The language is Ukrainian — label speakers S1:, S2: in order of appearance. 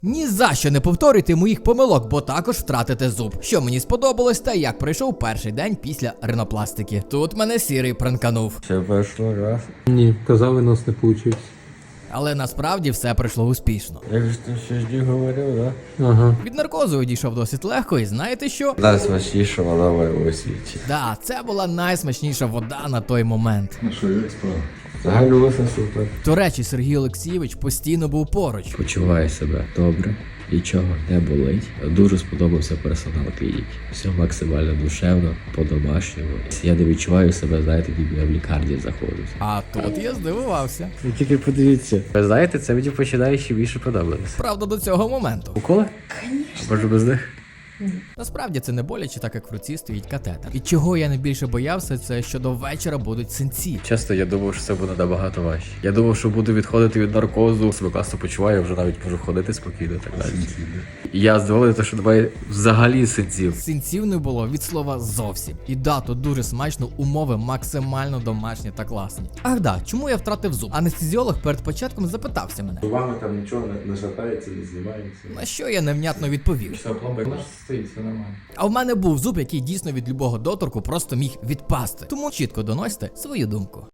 S1: Ні за що не повторюйте моїх помилок, бо також втратите зуб. Що мені сподобалось та як пройшов перший день після ринопластики. Тут мене сірий пранканув.
S2: Все пройшло раз.
S3: Ні, казали, нас не вийшло.
S1: Але насправді все пройшло успішно.
S2: Як же ти щось говорив, да?
S3: Ага.
S1: Від наркозу одійшов досить легко, і знаєте що?
S2: Найсмачніша вода в моєму світі.
S1: Да, це була найсмачніша вода на той момент.
S4: Ну що, як справа?
S2: Взагалі усе супер.
S1: До речі, Сергій Олексійович постійно був поруч.
S5: Почуваю себе добре, нічого не болить. Дуже сподобався персонал клініки. Все максимально душевно, по-домашньому. Я не відчуваю себе, знаєте, ніби я в лікарні знаходжусь.
S1: А тут я здивувався.
S5: Ви тільки подивіться. Ви знаєте, це мені починає ще більше подобатися.
S1: Правда, до цього моменту.
S5: Уколи? А може без них?
S1: Насправді це не боляче, так як в руці стоїть катетер. І чого я найбільше боявся, це що до вечора будуть синці.
S5: Часто я думав, що це буде набагато важче. Я думав, що буду відходити від наркозу, себе класно почуваю, вже навіть можу ходити спокійно і так далі. І я здивований, що немає взагалі синців.
S1: Синців не було від слова зовсім. І да, тут дуже смачно, умови максимально домашні та класні. Ах да, чому я втратив зуб? Анестезіолог перед початком запитався мене.
S4: Зубами там нічого не шатається, не знімається.
S1: На що я невнятно відповів.
S4: Все, пломба стоїть, все нормально.
S1: А в мене був зуб, який дійсно від любого доторку просто міг відпасти. Тому чітко доносьте свою думку.